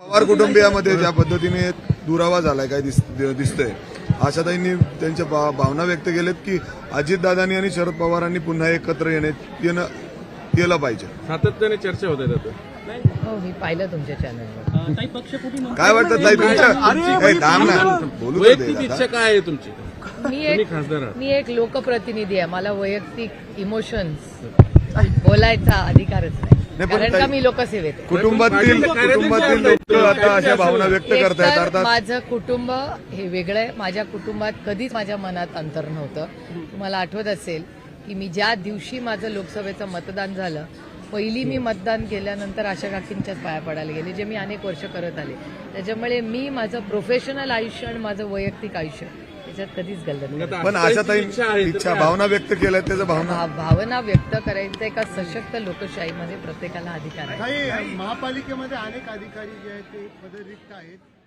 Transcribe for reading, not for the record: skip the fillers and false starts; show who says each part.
Speaker 1: पवार कुटुंबियामध्ये ज्या पद्धतीने दुरावा झालाय काय दिसतंय, आशाताईंनी त्यांच्या भावना व्यक्त केल्यात की अजितदादांनी आणि शरद पवारांनी पुन्हा एकत्र येणं केलं पाहिजे.
Speaker 2: सातत्याने चर्चा होत आहेत.
Speaker 3: हो, मी पाहिलं तुमच्या चॅनलवर.
Speaker 1: काय वाटतं ताई तुमच्या बोलू
Speaker 2: वैयक्तिक इच्छा काय आहे तुमची?
Speaker 3: मी एक लोकप्रतिनिधी आहे. मला वैयक्तिक इमोशन्स बोलायचा अधिकारच नाही, कारण का मी लोकसेवेत आहे.
Speaker 1: कुटुंबातील लोक आता अशा भावना व्यक्त करतायत. अर्थात
Speaker 3: माझं कुटुंब हे वेगळं आहे. माझ्या कुटुंबात कधीच माझ्या मनात अंतर नव्हतं. तुम्हाला आठवत असेल की मी ज्या दिवशी माझं लोकसभेचं मतदान झालं, पहिली मी मतदान केल्यानंतर आशा काकींच्याच पाया पडायला गेले, जे मी अनेक वर्ष करत आले. त्याच्यामुळे मी माझं प्रोफेशनल आयुष्य आणि माझं वैयक्तिक आयुष्य त्याच्यात कधीच गल्लत नाही.
Speaker 1: पण आशाताई इच्छा भावना व्यक्त केल्या, त्याचं
Speaker 3: भावना व्यक्त करायचं एका सशक्त लोकशाहीमध्ये प्रत्येकाला अधिकार आहे.
Speaker 4: महापालिकेमध्ये अनेक अधिकारी जे आहेत ते पदरिक्त आहेत.